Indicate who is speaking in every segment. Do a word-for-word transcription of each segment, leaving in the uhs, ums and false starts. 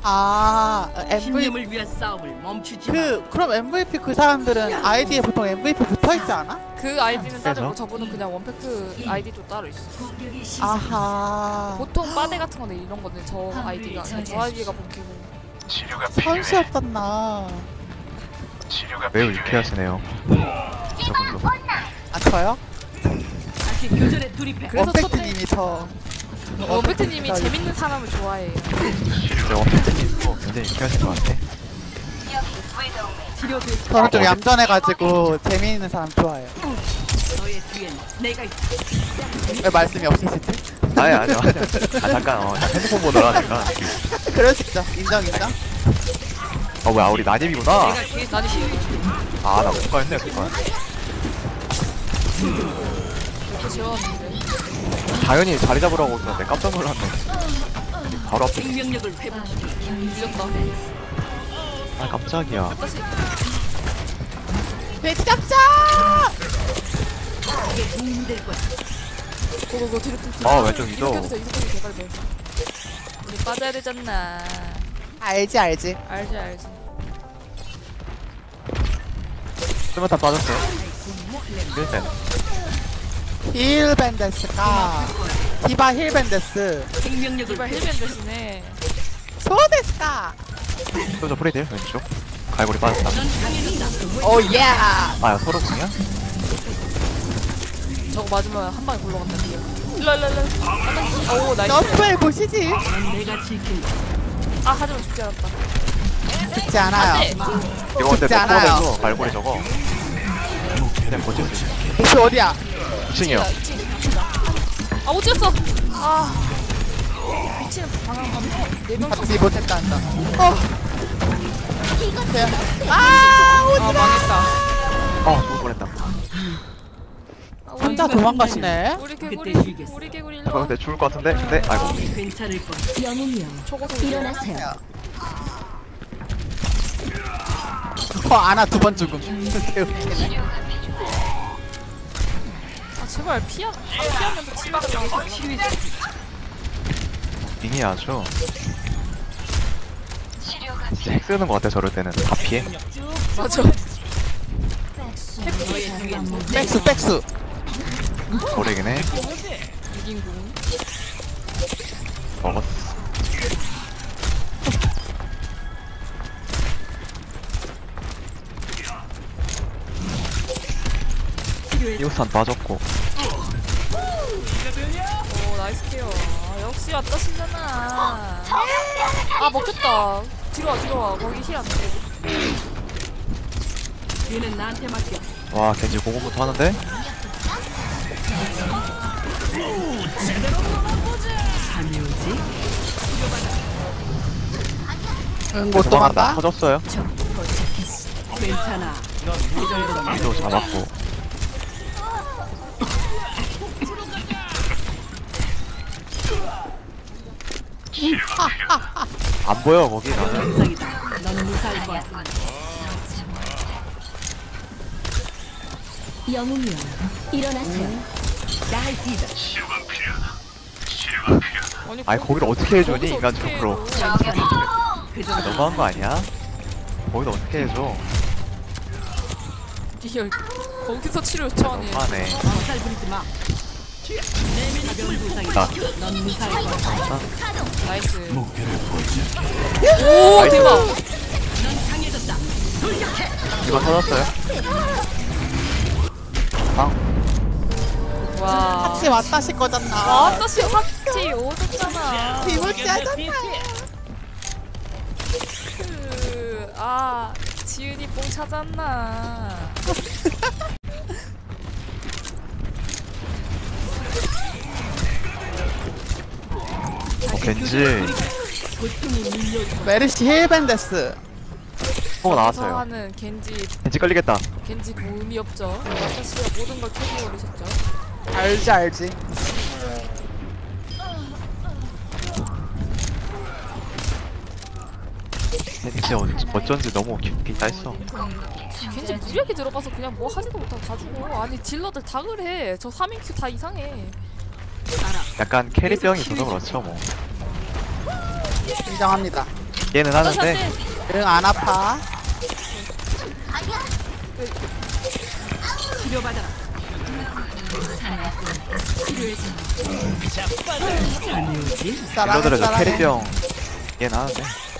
Speaker 1: 아 엠브이피
Speaker 2: 신념을 위한 싸움을 멈추지
Speaker 1: 그 그럼 엠브이피 그 사람들은 아이디에 보통 엠브이피 붙어있지 않아?
Speaker 3: 그 아이디는 따로
Speaker 4: 그래서?
Speaker 3: 저분은 그냥 원팩트 아이디도 따로 있어.
Speaker 1: 아하
Speaker 3: 보통 빠데 같은 건데 이런 건데 저 아이디가 저 아이디가 본캐고.
Speaker 1: 선수였었나.
Speaker 4: 매우 유쾌하시네요. 저분도.
Speaker 1: 아 저요?
Speaker 2: 다시 교전에 돌입해.
Speaker 3: 그래서
Speaker 1: 원팩트님이 저
Speaker 3: 원팩트님이 재밌는 사람을 좋아해요.
Speaker 4: 진짜 원팩트님도 굉장히 유쾌하신 것 같아.
Speaker 2: 치료됐어.
Speaker 1: 저는 좀 얌전해가지고 재미있는 사람 좋아해요.
Speaker 2: 너의 뒤엔 내가 있다.
Speaker 1: 왜 말씀이 없으시지?
Speaker 4: 아니 아니요 아니요. 아 잠깐 어 핸드폰 보느라니까.
Speaker 1: 그럴 수 있죠. 인정 인정.
Speaker 4: 어 뭐야 우리 나님이구나.
Speaker 2: 내가 뒤에
Speaker 3: 나니
Speaker 4: 아나 뭔가 했네 그거.
Speaker 3: 이렇게 지워놨는데.
Speaker 4: 당연히 자리 잡으라고 했는데 깜짝 놀랐네. 바로 앞에.
Speaker 2: 생명력을 회복시켜.
Speaker 3: 늦었다.
Speaker 4: 아 깜짝이야.
Speaker 3: 다시.
Speaker 1: 돼지 잡자!
Speaker 2: 이게 도움이 될 거야.
Speaker 3: 고고고 뒤로 뒤로.
Speaker 4: 어, 왼쪽 위도.
Speaker 3: 이렇게 해서 이렇게 개발돼. 우리 빠져야 되잖아.
Speaker 1: 알지 알지.
Speaker 3: 알지 알지.
Speaker 4: 스마타 빠졌어요. 일단
Speaker 1: 힐밴데스가 디바 힐밴데스
Speaker 2: 생명력을
Speaker 3: 이발 힐벤 대신에
Speaker 1: 소데스가
Speaker 4: 소저 프레이드 왼쪽. 갈고리 빠졌다.
Speaker 1: 오예.
Speaker 4: 아 서로 공이야?
Speaker 3: 저거 맞으면 한 방에 굴러간다. 일로 일로 일로. 오 나이스.
Speaker 1: 너프에 보시지.
Speaker 2: 내가 지킨다.
Speaker 3: 아 하지만 죽지 않았다.
Speaker 1: 죽지 않아요.
Speaker 3: 안돼.
Speaker 4: 이거 근데
Speaker 1: 죽지 않아요.
Speaker 4: 너프에서 갈고리 저거. 그냥 버틸 수 있어.
Speaker 1: 목표 어디야?
Speaker 4: 이 층이요.
Speaker 3: 아 못 찍었어. 아 미치는 방황 네명
Speaker 1: 잡지 못했다 한다. 어. 아
Speaker 3: 아
Speaker 1: 오지마.
Speaker 3: 망했다.
Speaker 4: 어 죽을 뻔했다.
Speaker 3: 아, 우리
Speaker 1: 혼자
Speaker 3: 개구리,
Speaker 1: 도망가시네.
Speaker 3: 우리 개구리
Speaker 2: 그때 쉬겠어.
Speaker 3: 우리 개구리
Speaker 4: 저
Speaker 3: 일로.
Speaker 4: 근데 죽을 것 같은데? 근데 아이고.
Speaker 2: 괜찮을 거야.
Speaker 5: 영웅이여
Speaker 3: 초고속
Speaker 5: 일어나세요.
Speaker 1: 어 아나 두 번 죽음.
Speaker 3: 아 제발 피하 아, 피하면서 치마가
Speaker 4: 빙이 아주 진짜 핵 쓰는 것 같아 저럴 때는 다 피해.
Speaker 3: 맞아.
Speaker 2: 너의 뒤엔
Speaker 1: 백수 백수.
Speaker 4: 저래긴 해.
Speaker 3: 이긴 궁.
Speaker 4: 먹었어. 이호산 빠졌고.
Speaker 3: 오 나이스 케어. 아, 역시 왔다시잖아. 아 먹혔다. 뒤로 와 뒤로 와. 거기 힐 안 돼.
Speaker 2: 뒤는 나한테 맡겨.
Speaker 4: 와 겐지 공공부터 하는데?
Speaker 2: 감이 오지?
Speaker 1: 응, 못
Speaker 4: 도망간다.
Speaker 1: 도망가.
Speaker 4: 터졌어요.
Speaker 2: 괜찮아. 이 정도면
Speaker 4: 위도 잡았고. 안 보여 거기 나는.
Speaker 2: 정상이다. 넌 무사할 거야.
Speaker 5: 영웅이여 일어나세요.
Speaker 2: 나의 뒤다.
Speaker 4: 아니 거기를 어떻게 해주니
Speaker 3: 거기서
Speaker 4: 인간적으로.
Speaker 3: 어떻게 해줘.
Speaker 2: 그 정도.
Speaker 4: 너무한 거 아니야? 거기서 어떻게 해줘?
Speaker 3: 리얼. 거기서 치료 요청하니.
Speaker 4: 너무하네.
Speaker 2: 살 부리지 마. 가벼운 부상이다.
Speaker 4: 나
Speaker 2: 넌 무사할 거야.
Speaker 3: 나이스. 오
Speaker 4: 나이스.
Speaker 3: 대박.
Speaker 2: 넌 강해졌다.
Speaker 4: 이거 터졌어요? 아
Speaker 3: 와.
Speaker 1: 같이 왔다시 거잖아.
Speaker 3: 와 다시 확지 오졌잖아.
Speaker 1: 비물자잖아.
Speaker 3: 그아 지은이 뽕 찾았나.
Speaker 4: 어, 겐지
Speaker 1: 메르시 힐밴데스.
Speaker 4: 포가 나왔어요.
Speaker 3: 하는 겐지
Speaker 4: 겐지 걸리겠다.
Speaker 3: 겐지 그 의미 없죠. 사실 모든 걸 캐리 올리셨죠.
Speaker 1: 알지 알지.
Speaker 4: 겐지 어, 어쩐지 너무 깊이 따있어.
Speaker 3: 겐지 무리하게 들어가서 그냥 뭐 하지도 못하고 다 죽어. 아니 딜러들 다 그래. 저 삼 인 큐 다 이상해.
Speaker 4: 약간 캐리병이 있어서 그렇죠 뭐.
Speaker 1: 인정합니다.
Speaker 4: 얘는 하는데
Speaker 1: 응, 안 아파.
Speaker 2: 치료받아라.
Speaker 1: 사랑해,
Speaker 4: 딜러들은 저
Speaker 1: 사랑해.
Speaker 4: 캐리병 얘는 하는데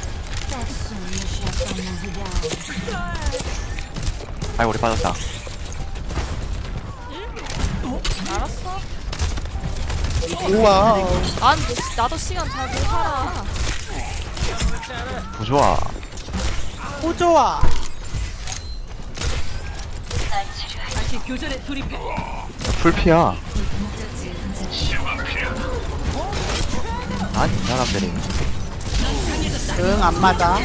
Speaker 4: 아이 우리 빠졌다.
Speaker 3: 알았어.
Speaker 1: 우와.
Speaker 3: 난 나도 시간 잘 못 살아.
Speaker 4: 부좋아.
Speaker 1: 오, 좋아.
Speaker 2: 다시 교전에 돌입해.
Speaker 4: 풀피야. 아니 이 사람들이
Speaker 1: 응, 안 맞아.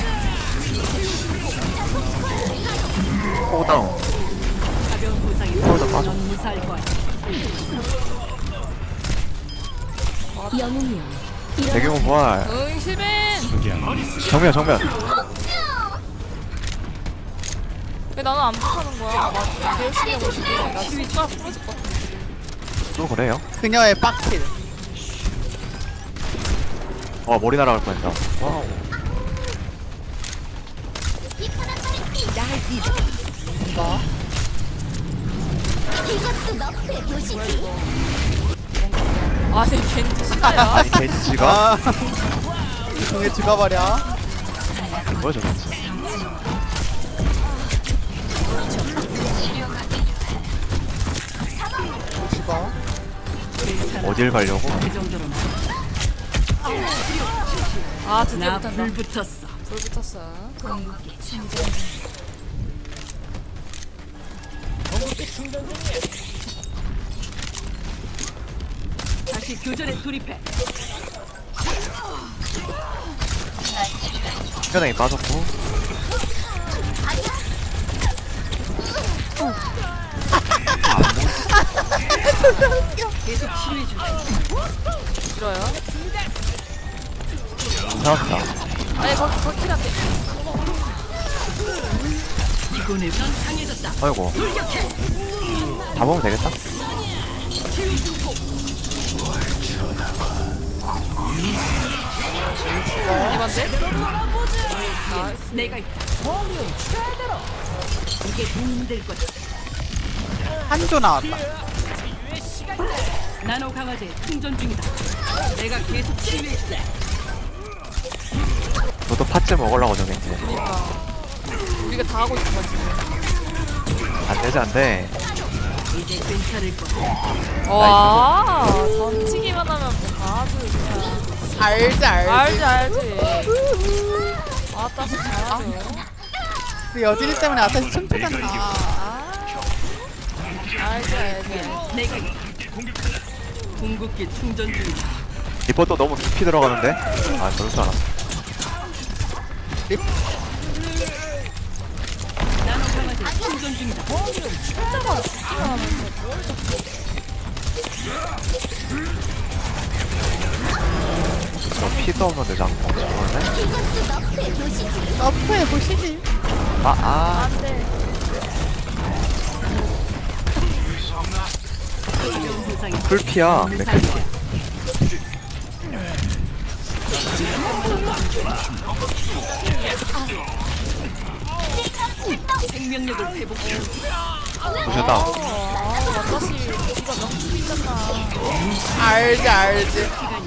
Speaker 4: 코다운
Speaker 2: 가벼운 부상이
Speaker 4: 코다 빠져.
Speaker 2: 넌 무사할 거야.
Speaker 5: 영웅이여
Speaker 4: 대경호 부활.
Speaker 3: 응, 실벤.
Speaker 4: 정면 정면.
Speaker 3: 왜 나는 안 못하는 거야? 나 제일 열심히 하고 있는데 나 지금 숟가락 부러질 것 같아.
Speaker 4: 또 그래요?
Speaker 1: 그녀의 빡킬.
Speaker 4: 와 머리 날아갈 뻔했다. 와우.
Speaker 1: 뭐?
Speaker 3: 아, 내 겐지 진짜야.
Speaker 4: 아니 겐지가
Speaker 1: 아. 등에 죽어버려.
Speaker 4: 뭐야 저 겐지.
Speaker 1: 죽어.
Speaker 4: 어딜 가려고?
Speaker 2: 그 정도로는
Speaker 3: 아, 드디어
Speaker 2: 나
Speaker 3: 붙었다.
Speaker 2: 불 붙었어.
Speaker 3: 불 붙었어.
Speaker 2: 다시 교전에 돌입해.
Speaker 4: 현행이 빠졌고.
Speaker 2: 계속 치료해 줄.
Speaker 3: 싫어요?
Speaker 4: 잡았다.
Speaker 3: 아니, 거기, 거기 킬한데.
Speaker 2: 이번에 넌 강해졌다.
Speaker 4: 아이고. 잡으면 되겠다.
Speaker 3: 이건데? 아,
Speaker 2: 내가 있다. 이게 도움이 될 거다.
Speaker 1: 한조 나왔다.
Speaker 2: 나노 강화제 충전 중이다. 내가 계속 치료해 줄게.
Speaker 4: 너도 팥째 먹으려고 저겠지.
Speaker 3: 그니까. 우리가 다 하고 있는 거지.
Speaker 4: 안되지 안돼.
Speaker 2: 이제 괜찮을 거야.
Speaker 3: 와, 던지기만 하면 뭐다 하지, 그냥.
Speaker 1: 알지, 알지.
Speaker 3: 알지, 알지. 아따, 잘하죠.
Speaker 1: 그 여진이 때문에 아타시 춤추잖아.
Speaker 3: 아, 알지, 알지.
Speaker 2: 내가 있다. 궁극기 충전 중이다.
Speaker 4: 리퍼 또 너무 깊이 들어가는데? 아 저럴 줄 알았어.
Speaker 2: 나노 강화제 충전 중이다.
Speaker 4: 저 피도 없는데 자꾸 죽었네?
Speaker 1: 너프해 보시지.
Speaker 4: 아 아.
Speaker 3: 안 돼.
Speaker 2: 가벼운 부상이
Speaker 4: 풀피야.
Speaker 2: 넌
Speaker 4: 내
Speaker 2: 살
Speaker 4: 캐리.
Speaker 2: 거야. 생명력을 회복해.
Speaker 4: 보셨다.
Speaker 3: 아, 아따시, 이거 명품이잖아.
Speaker 1: 알지, 알지.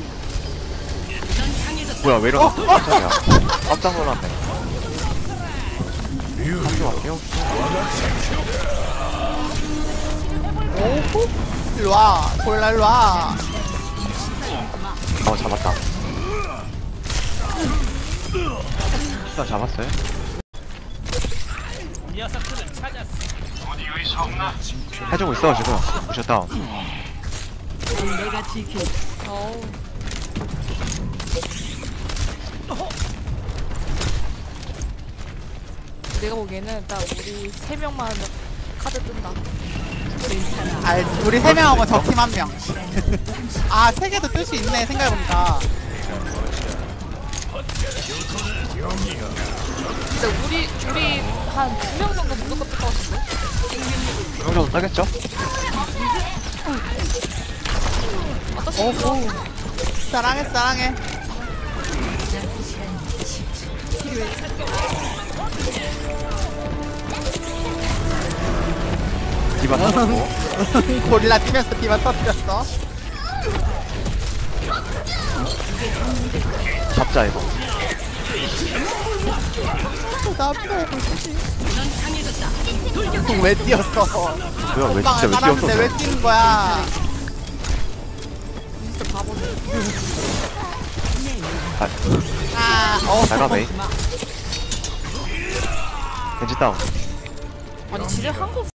Speaker 2: 넌 강해졌다.
Speaker 4: 뭐야 왜 이러나? 깜짝이야. 깜짝 놀랐네. 한조 갈게요.
Speaker 1: 오호. 일로와. 골라, 일로와.
Speaker 4: 어 잡았다. 일단 잡았어요. 해주고 있어 지금. 보셨다.
Speaker 2: 넌 내가 지킨다.
Speaker 3: 어우. 내가 보기에는 딱 우리 세 명만 카드 뜬다.
Speaker 2: 괜찮아.
Speaker 1: 알지. 우리 세 명하고 저 팀 한 명. 아, 세 개도 뜰 수 있네, 생각해보니까.
Speaker 3: 근데 우리 우리 한 두 명 정도 무조건 뜰 것 같은데?
Speaker 4: 이 정도 따겠죠?
Speaker 3: 어떠시?
Speaker 1: 오호. 사랑해, 사랑해.
Speaker 4: 디바 터졌고.
Speaker 1: 고릴라 뛰면서 디바 터뜨렸어.
Speaker 4: 잡자 이거.
Speaker 1: 나쁘다. 왜 뛰었어?
Speaker 4: 뭐야 왜 진짜 왜
Speaker 1: 살았는데
Speaker 4: 뛰었어?
Speaker 1: 왜 뛰는 거야?
Speaker 3: 진짜 바보네.
Speaker 4: 아,
Speaker 1: 아, 어.
Speaker 4: 잘 가네. 겐지 다운.
Speaker 3: 아니 지뢰 한국